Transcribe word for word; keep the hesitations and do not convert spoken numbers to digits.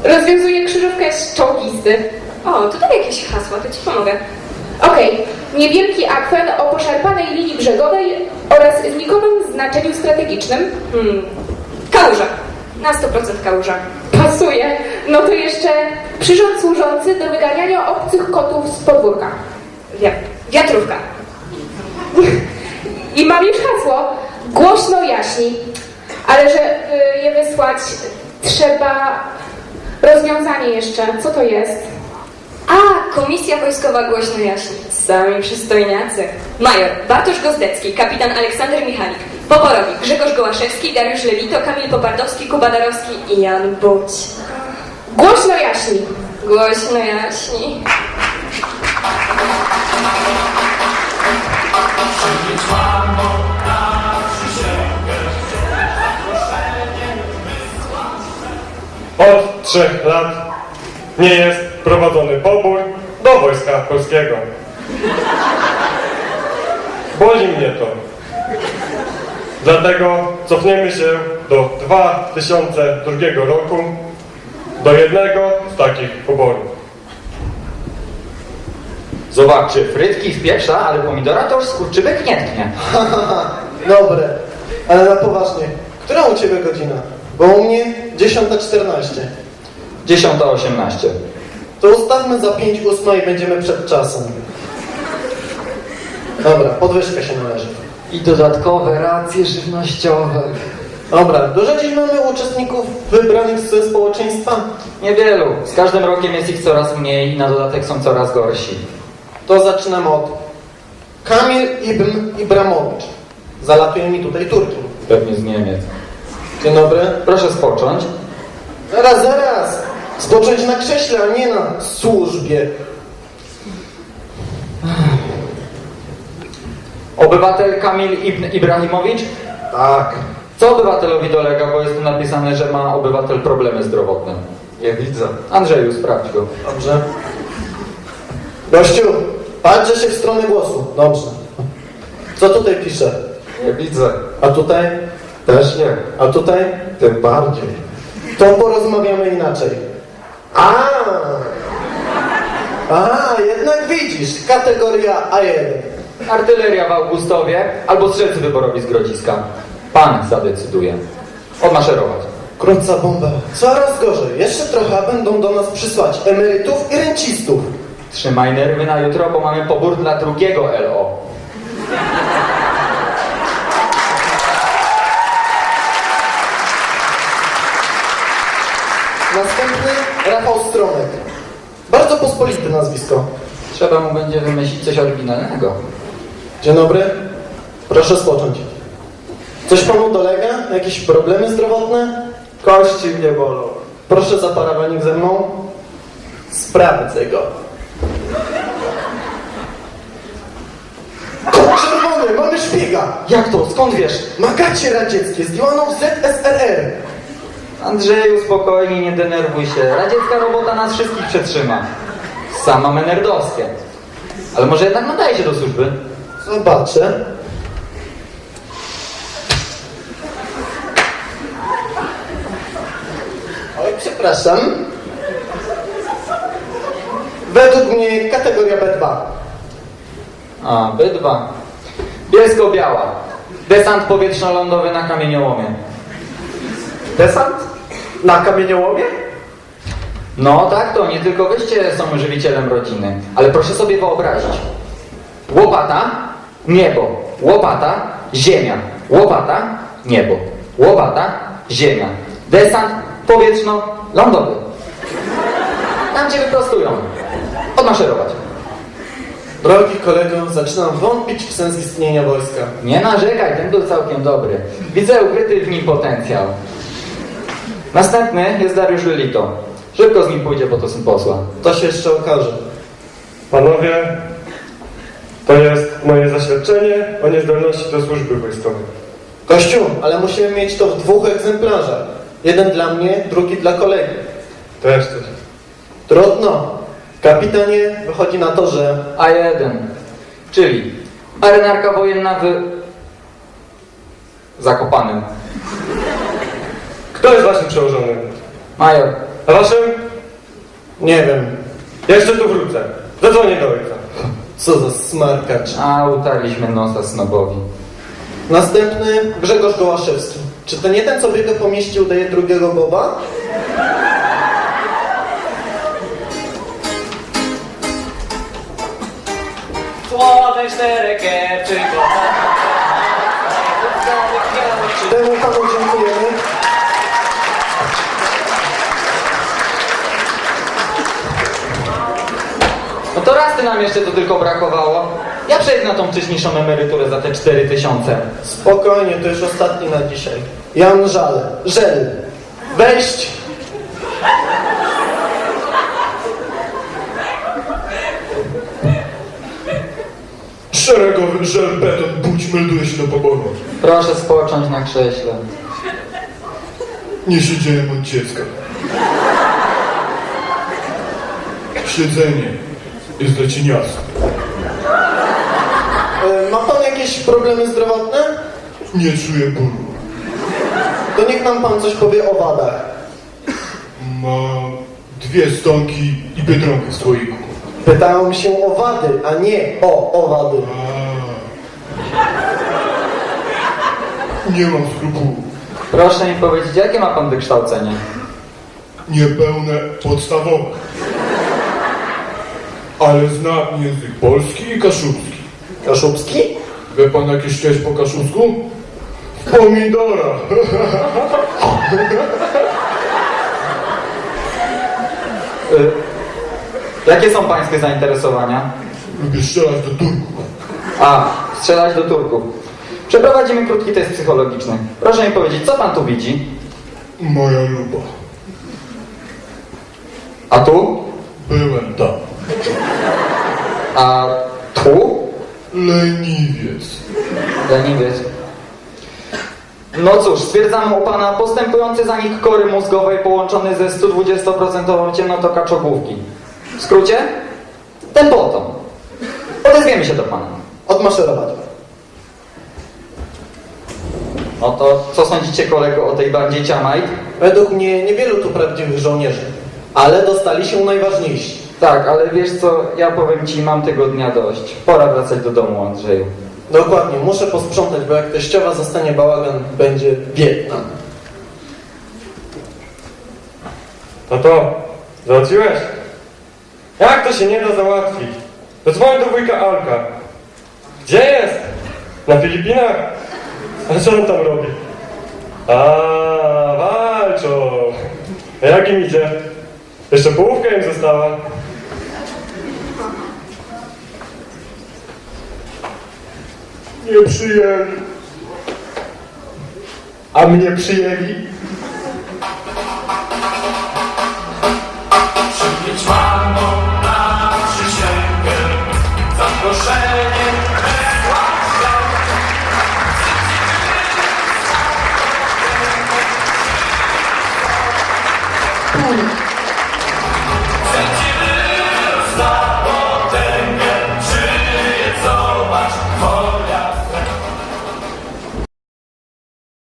Rozwiązuję krzyżówkę z czołgisty. O, tutaj jakieś hasła, to ci pomogę. Okej. Okay. Niewielki akwen o poszarpanej linii brzegowej oraz znikomym znaczeniu strategicznym. Hmm. Kałuża. Na sto procent kałuża. Pasuje. No to jeszcze przyrząd służący do wyganiania obcych kotów z podwórka. Wi wiatrówka. I mam już hasło. Głośno jaśni. Ale że y, je wysłać, trzeba rozwiązanie jeszcze. Co to jest? A, Komisja Wojskowa głośno jaśni. Sami przystojniacy. Major Bartosz Gozdecki, kapitan Aleksander Michalik, Poborowik Grzegorz Gołaszewski, Dariusz Lewito, Kamil Popardowski, Kuba Darowski i Jan Buć. Głośno jaśni. Głośno jaśni. Od trzech lat nie jest prowadzony pobór do Wojska Polskiego. Boli mnie to. Dlatego cofniemy się do dwa tysiące drugiego roku, do jednego z takich poborów. Zobaczcie, frytki w pieprza, ale pomidora to już skurczybyk nie tknie. Dobre, ale na poważnie, która u Ciebie godzina? Bo u mnie dziesiąta czternaście. dziesiąta osiemnaście. To ustawmy za pięć ósma i będziemy przed czasem. Dobra, podwyżka się należy. I dodatkowe racje żywnościowe. Dobra, dużo dziś mamy uczestników wybranych ze społeczeństwa? Niewielu. Z każdym rokiem jest ich coraz mniej i na dodatek są coraz gorsi. To zaczynamy od Kamil Ibn Ibramowicz. Zalatuje mi tutaj Turki. Pewnie z Niemiec. Dzień dobry. Proszę spocząć. Zaraz, zaraz! Spocząć na krześle, a nie na służbie. Obywatel Kamil Ibn Ibrahimowicz? Tak. Co obywatelowi dolega, bo jest tu napisane, że ma obywatel problemy zdrowotne. Nie widzę. Andrzeju, sprawdź go. Dobrze. Gościu, patrzę się w stronę głosu. Dobrze. Co tutaj pisze? Nie widzę. A tutaj? Też nie. A tutaj? Tym bardziej. To porozmawiamy inaczej. A, a, jednak widzisz, kategoria A jeden. Artyleria w Augustowie albo strzelcy wyborowi z Grodziska. Pan zadecyduje. Odmaszerować. Krótca bomba. Coraz gorzej. Jeszcze trochę, a będą do nas przysłać emerytów i rencistów. Trzymaj nerwy na jutro, bo mamy pobór dla drugiego L O. Następny Rafał Stromek. Bardzo pospolite nazwisko. Trzeba mu będzie wymyślić coś oryginalnego. Dzień dobry. Proszę spocząć. Coś panu dolega? Jakieś problemy zdrowotne? Kości mnie bolą. Proszę za parawanik ze mną. Sprawdzę go. Kod czerwony, mamy szpiega. Jak to? Skąd wiesz? Magacie radzieckie, zdjęłano w Z S R R. Andrzeju, spokojnie, nie denerwuj się. Radziecka robota nas wszystkich przetrzyma. Sama menerdowskie. Ale może jednak nadaje się do służby? Zobaczę. Oj, przepraszam. Według mnie kategoria B dwa. A, B dwa. Bielsko-Biała. Desant powietrzno-lądowy na kamieniołomie. Desant? Na kamieniołomie? No tak to, nie tylko wyście są żywicielem rodziny. Ale proszę sobie wyobrazić. Łopata, niebo. Łopata, ziemia. Łopata, niebo. Łopata, ziemia. Desant powietrzno-lądowy. Tam cię wyprostują. Odmaszerować. Drogi kolego, zaczynam wątpić w sens istnienia wojska. Nie narzekaj, ten był całkiem dobry. Widzę ukryty w nim potencjał. Następny jest Dariusz Lewito. Szybko z nim pójdzie, bo to syn posła. To się jeszcze okaże. Panowie, to jest moje zaświadczenie o niezdolności do służby wojskowej. Kościół, ale musimy mieć to w dwóch egzemplarzach. Jeden dla mnie, drugi dla kolegi. Też coś. Trudno. Kapitanie, wychodzi na to, że... A jeden. Czyli marynarka wojenna w... Zakopanem. Kto jest waszym przełożonym? Major, A waszym? Nie wiem. Jeszcze tu wrócę. Zadzwonię do ojca. Co za smarkacz. A, utarliśmy nosa snobowi. Następny Grzegorz Gołaszewski. Czy to nie ten, co biega po mieście, udaje drugiego Boba? Słowe czterekie, czy Temu panu dziękujemy. No to raz ty nam jeszcze to tylko brakowało. Ja przejdę na tą wcześniejszą emeryturę za te cztery tysiące. Spokojnie, to już ostatni na dzisiaj. Jan Żal. Żel. Wejść. Szeregowy żelbeton, budź, melduje się do poboru. Proszę spocząć na krześle. Nie siedziałem od dziecka. Siedzenie jest dla cieniasa. E, ma pan jakieś problemy zdrowotne? Nie czuję bólu. To niech nam pan coś powie o wadach. Mam dwie stonki i biedronkę w słoiku. Pytałem się o wady, a nie o owady. Nie mam skrupułów. Proszę mi powiedzieć, jakie ma pan wykształcenie? Niepełne podstawowe. Ale znam język polski i kaszubski. Kaszubski? Wie pan jakieś cześć po kaszubsku? Pomidora. Y, jakie są pańskie zainteresowania? Lubię strzelać do Turków. A, strzelać do Turków. Przeprowadzimy krótki test psychologiczny. Proszę mi powiedzieć, co pan tu widzi? Moja luba. A tu? Byłem tam. A tu? Leniwiec. Leniwiec. No cóż, stwierdzamy u pana postępujący zanik kory mózgowej połączony ze sto dwudziestu procent ciemnotą kaczogłówki. W skrócie? Tempoton. Odezwiemy się do pana. Odmaszerować. No to co sądzicie, kolego, o tej bandzie Ciamajt? Według mnie niewielu tu prawdziwych żołnierzy, ale dostali się najważniejsi. Tak, ale wiesz co, ja powiem ci, mam tego dnia dość. Pora wracać do domu, Andrzeju. Dokładnie, muszę posprzątać, bo jak teściowa zostanie bałagan, będzie biedna. No to, załatwiłeś? Jak to się nie da załatwić? Zadzwoń do wujka Alka. Gdzie jest? Na Filipinach? A co on tam robi? A, walczą. A jak im idzie? Jeszcze połówka im została. Nie przyjęli. A mnie przyjęli? Przynieść mamą na przysięgę, zaproszenie wysłać się. Pani,